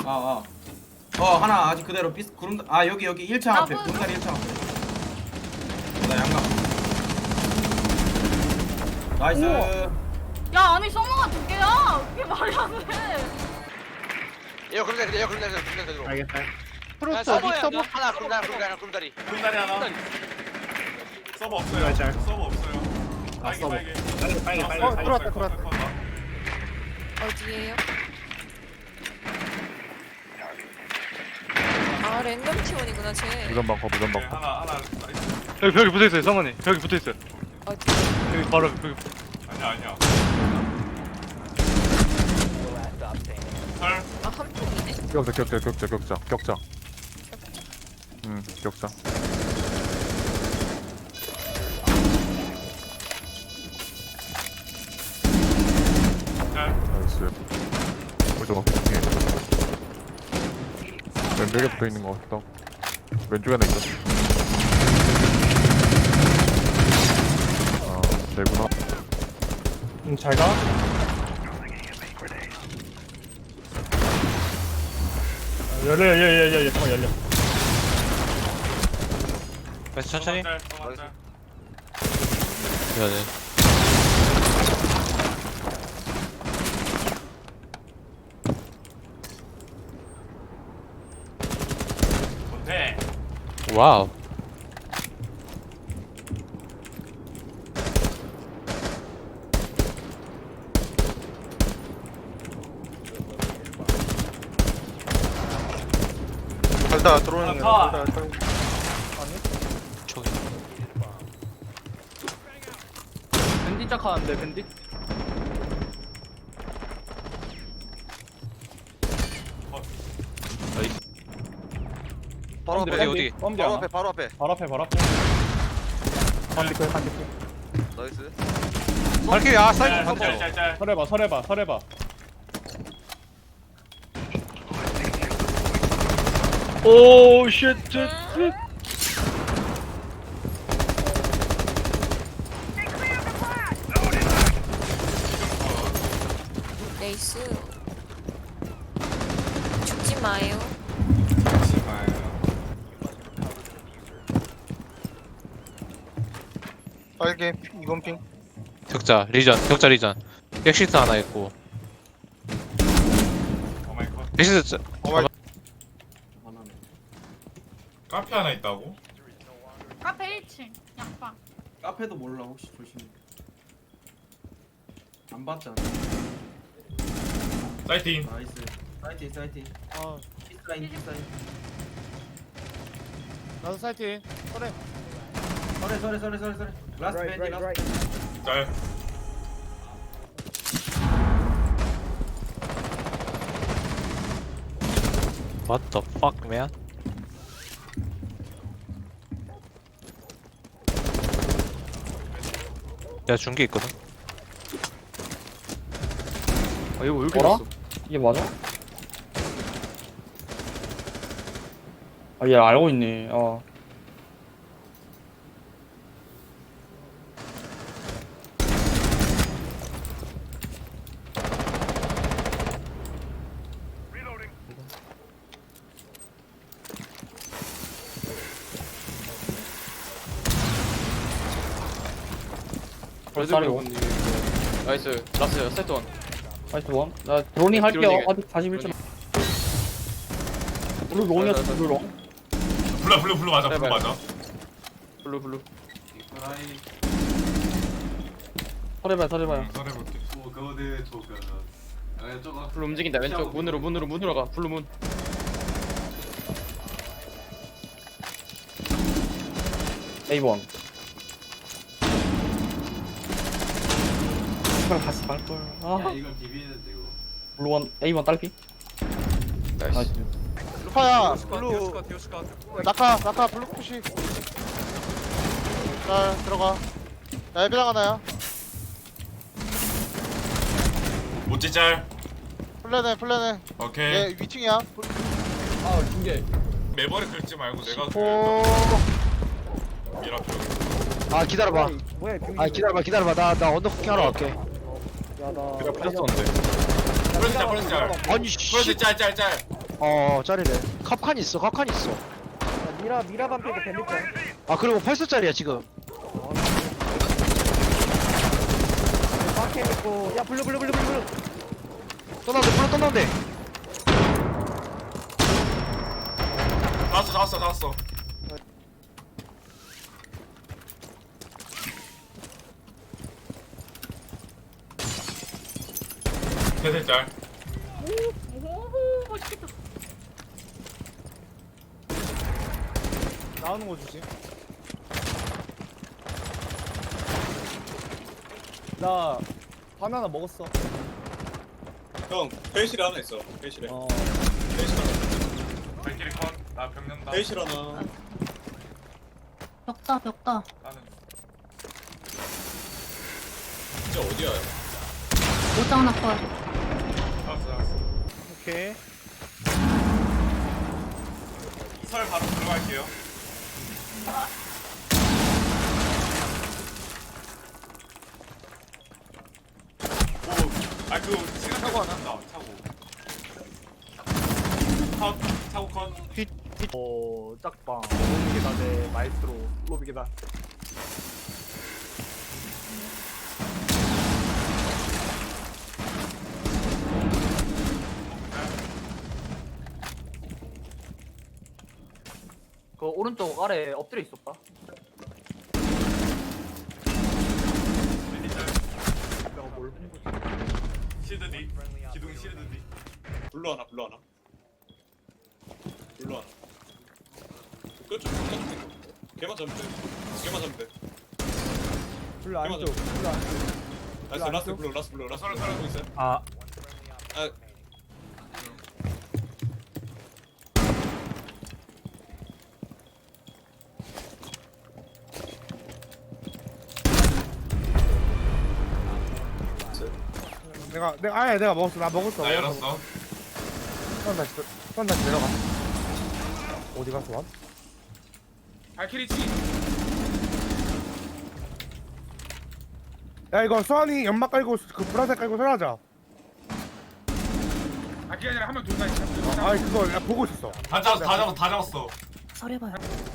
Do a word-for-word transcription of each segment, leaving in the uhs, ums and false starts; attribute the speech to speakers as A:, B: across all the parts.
A: 어어 어 하나 아직 그대로 삐 구름 아 여기 여기 일 창
B: 아,
A: 앞에
B: 뭐-
A: 구름다리 일 창 앞에 나 양각 나이스
B: 우와. 야 아니 서머가 두 개야. 그게 말이 안 돼.
C: 에어 그림다리 에어 그림다리 그림다리
D: 알겠다.
C: 야,
D: 프로스 어디
C: 서버야,
D: 서버?
C: 하나 그림다리 그림다리 그림다리
E: 금다리 하나. 서버 없어요.
D: 잘, 잘.
E: 서버 없어요.
D: 아,
E: 빨개
D: 서버.
E: 빨개.
D: 빨리 빨리 빨리.
E: 어,
D: 빨리.
E: 들어왔다
D: 들어왔다.
E: 들어왔다.
F: 어디에요? 아 랜덤 티원이구나 쟤.
G: 무전 방커 무전
E: 네,
G: 방커
E: 하나 하나 나이스.
H: 여기 벽에 붙어있어요 성원이 벽에 붙어있어요
F: 어디?
H: 여기 바로 벽에
E: 아니야 아니야. 설.
F: 아한 폭이네.
G: 격자 격자 격자 격자 격자 응 격자
E: 설.
G: 나이스 무전 예. 왼벽에 붙어있는 거 같다 왼쪽에 하나 있어 아 되구나
D: 응, 잘 가. 아, 열려 열려 열려 열려 잠깐 열려.
H: 다시 천천히
E: 설, 서버 설.
H: 해야 돼
E: 못해.
H: 와우
C: 살다 들어오는
E: 아,
C: 거.
H: 저기
D: 밴디 짝하는데 밴디?
C: 바로
H: 어디
C: 앞에
H: 어디
D: 뻔디
C: 바로
D: 하나.
C: 앞에 바로 앞에.
D: 바로 앞에 바로 앞에. 반디클 반디클.
C: 나이스.
H: 발키리 아
E: 짤,
H: 사이드
E: 짤,
H: 반대로
E: 짤, 짤.
D: 설해봐 설해봐 설해봐.
H: 오쉣
F: 레이스. 죽지 마요.
C: 빨개 이건 핑.
H: 격자 리전 격자 리전 엑시트 하나 있고
E: 오 마이 갓.
H: 엑시트
A: 하나네
E: 카페 하나 있다고?
B: 카페 일 층 양방.
A: 카페도 몰라 혹시 조심해 안 봤잖아
E: 사이팅.
A: 나이스 사이팅 사이팅
D: 어
A: 피사인 피사인
D: 나도 사이트. 설해.
A: 서래 서래 서래 서래 서래 라스트 밴디 라스트
E: 짤.
H: What the fuck man 야 중계 있거든 아 이거 왜 이렇게
I: 뭐라?
H: 됐어
I: 이게 맞아? 아, 얘 알고 있네. 어. 벌써 고
H: 나이스 라스 세트 원
I: 나이스 원. 나 드로닝 할게요.
H: 드로닝.
I: 아직 사십일 점. 블루 롱이었어, 블루 롱.
E: 블루 블루 블루 맞아 블루 맞아.
H: 블루 블루
A: 아이
I: 설해봐요, 설해봐요.
E: 응, 설해볼게.
H: 블루 움직인다 왼쪽 문으로 문으로 문으로 가 블루 문
I: 에이 원. 이걸 같이 말걸. 아.
A: 이건 비비는데 이거
I: 블루 원, 에이 원 딸피. 나이스.
C: 루파야 블루. 낙하 낙하 블루 푸시. 자 들어가. 나 예비랑 하나야.
E: 모찌 짤.
C: 플랜해 플랜해.
E: 오케이.
C: 얘 위층이야.
E: 매버리 긁지 말고 내가
C: 오.
E: 미라 표.
C: 아 기다려봐. 아 기다려봐 기다려봐. 나 나 언더쿠킹 하러 갈게.
H: 그래 풀렸었는데
E: 프레스 짤 프레스 짤.
C: 아니 씨.
E: 프레스 짤짤 짤.
C: 어 짜리래. 컵칸 있어 컵칸 있어.
J: 야, 미라 미라 반피고 밴디짱.
C: 아 그리고 팔 수짜리야 지금.
J: 마켓 있고. 야 블루 블루 블루 블루 블루.
C: 떠나는데 불러 떠나는데.
E: 잡았어 잡았어 잡았어. 세세 짤.
B: 오 맛있겠다.
D: 나오는 거 주지. 나 바나나 먹었어.
A: 형 회의실에 하나 있어. 회의실에.
D: 어.
A: 회의실 하나.
E: 발길이 컷. 나 병년다.
A: 회의실 하나.
B: 벽다 벽다.
E: 나는
A: 진짜 어디야?
B: 오장 나걸.
E: 알았어 알았어.
D: 오케이.
E: 이설 바로 들어갈게요. 오, 아 그거 시간 타고 하나? 나 차고. 컷, 차고 컷.
D: 어 짝방. 로비 계단에 마이스트로 로비 계단. 그 오른쪽 아래 엎드려 있었다. 내가 뭘 본 거지?
E: 실드 D. 기둥 실드 D.
A: 블루 하나 블루 하나. 블루 하나. 그쪽 그쪽. 걔만 잡으면 돼. 걔만 잡으면 돼.
D: 블루 안쪽. 블루 안쪽.
A: 라스트 라스트 블루 라스트 블루 라스트
E: 서로,
A: 블루
E: 서로.
A: 하고 있어요.
D: 아.
A: 아
D: 내가 내가 아예 내가 먹었어. 나 먹었어.
E: 나 열었어.
D: 선 다시 선 다시 내려가. 어디 가서 왔?
E: 발키리 치.
D: 야 이거 수환이 연막 깔고 그 보라색 깔고 설하자.
E: 발키리 아니라 한명 둘다 있어.
D: 아 그거 야, 보고 있었어.
E: 다 잡았어 다 잡았어 다 잡았어.
B: 설해봐요.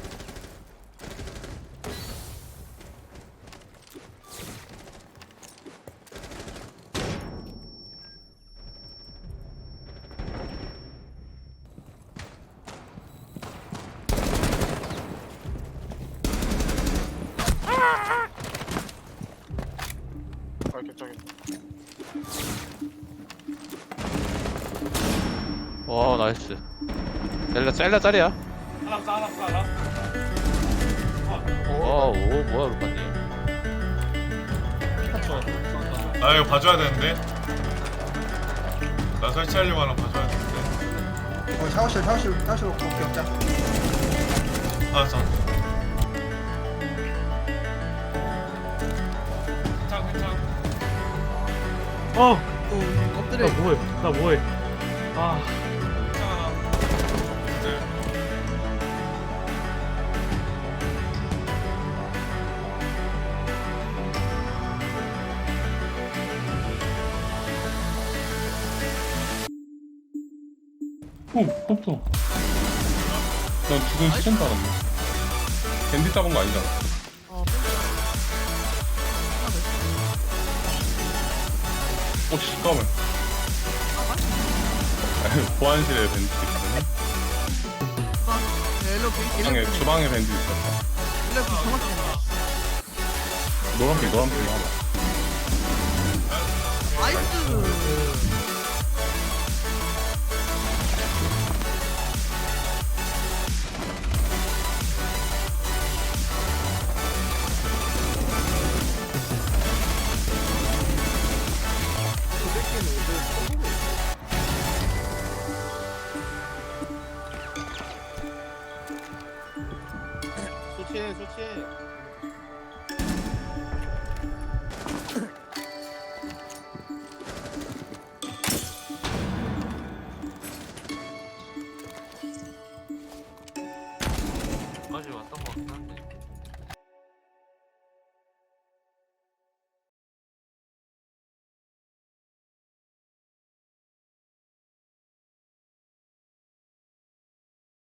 H: 와 나이스. 셀라 셀라 짤이야.
E: 하나 쏴 하나 쏴 라스트.
H: 와오 뭐야 루파님.
E: 아 이거 봐줘야 되는데. 나 설치하려고 하나 봐줘야 되는데.
J: 어 샤워실 샤워실 샤워실 격자.
E: 아 자. 괜찮아 괜찮아.
D: 어.
J: 엎드려.
D: 나 뭐해? 나 뭐해? 아.
E: 괜찮아. 네.
G: 오, 컵도. 난 지금 시간 따랐네. 밴디 잡은 거 아니잖아. 어, 잠깐만. 아니, 보안실에 밴디 있거든. 주방에, 주방에 밴디 있었어. 노란빛, 노란빛 하나.
D: 좋지 좋지.